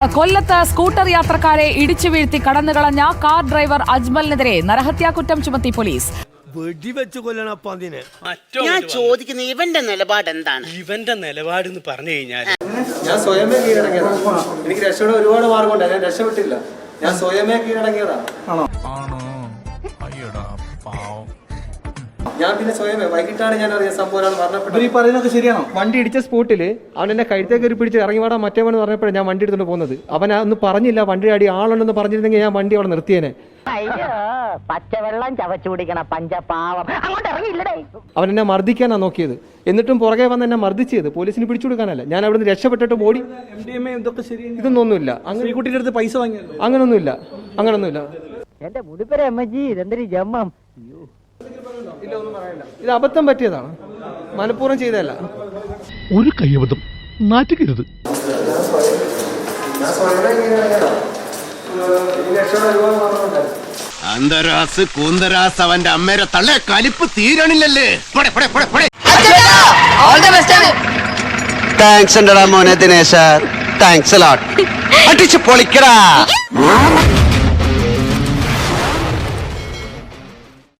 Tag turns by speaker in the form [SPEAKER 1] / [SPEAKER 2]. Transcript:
[SPEAKER 1] കൊല്ലത്ത് സ്കൂട്ടർ യാത്രക്കാരെ ഇടിച്ചു വീഴ്ത്തി കടന്നുകളഞ്ഞ കാർ ഡ്രൈവർ അജ്മലിനെതിരെ നരഹത്യാക്കുറ്റം ചുമത്തി പോലീസ്.
[SPEAKER 2] വെടിവെച്ച് കൊല്ലണം അതിനെ.
[SPEAKER 3] ഞാൻ ചോദിക്കുന്ന ഇവന്റെ നിലപാട് എന്താണ്?
[SPEAKER 2] ഇവന്റെ നിലപാട് എന്ന് പറഞ്ഞു കഴിഞ്ഞാൽ
[SPEAKER 4] ഞാൻ സ്വയമേ കീഴടങ്ങിയതാണ്. എനിക്ക് രക്ഷയുടെ ഒരുപാട് മാർഗമുണ്ട്, ഞാൻ രക്ഷപ്പെട്ടില്ല. ഞാൻ സ്വയമേ കീഴടങ്ങിയതാണ്. ഞാൻ പിന്നെ സ്വയമേ വൈകിട്ടാണ് ഞാൻ അറിയാൻ സംഭവം മരണപ്പെട്ടത്. ഈ പറയുന്നതൊക്കെ ശരിയാണോ? വണ്ടി ഇടിച്ച സ്പോട്ടിൽ അവൻ എന്നെ കഴുത്തേക്ക് ഒരു പിടിച്ച് ഇറങ്ങി വാടാ മറ്റേവെന്ന് പറഞ്ഞപ്പോഴാണ് ഞാൻ വണ്ടി എടുത്തുകൊണ്ട് പോകുന്നത്. അവൻ ഒന്നും പറഞ്ഞില്ല, വണ്ടി അടി ആളുണ്ടെന്ന് പറഞ്ഞിരുന്നെങ്കിൽ ഞാൻ വണ്ടി അവിടെ നിർത്തിയേനെ.
[SPEAKER 5] പച്ചവെള്ളം ചവച്ചു കുടിക്കണ പഞ്ചപാവം അങ്ങോട്ട് ഇറങ്ങിയില്ലടേ.
[SPEAKER 4] അവൻ എന്നെ മർദ്ദിക്കാനാ നോക്കിയത്, എന്നിട്ടും പുറകെ വന്ന് എന്നെ മർദ്ദിച്ചത് പോലീസിന് പിടിച്ചു കൊടുക്കാനല്ല. ഞാൻ അവിടെ നിന്ന് രക്ഷപ്പെട്ടിട്ട് ഓടി. ഇതൊന്നൊന്നുമില്ല. അങ്ങനെ കുട്ടിയുടെ അടുത്ത് പൈസ വാങ്ങിയത് അങ്ങനൊന്നുമില്ല.
[SPEAKER 5] എന്റെ മുടിപ്പര അമ്മജി ഇതെന്തൊരു ജമ്മം.
[SPEAKER 4] ഇത് അബദ്ധം പറ്റിയതാണ്, മനഃപൂർവ്വം ചെയ്തതല്ല.
[SPEAKER 6] ഒരു കയ്യബദ്ധം നാറ്റുകരുത്.
[SPEAKER 7] അന്തരാസ് കൂന്തരാസ് അവന്റെ അമ്മേരെ തള്ളെ കലിപ്പ് തീരണില്ലല്ലേ.
[SPEAKER 8] താങ്ക്സ് ഉണ്ടടാ മോനെ ദിനേശ, താങ്ക്സ് അടിച്ചു പൊളിക്കടാ.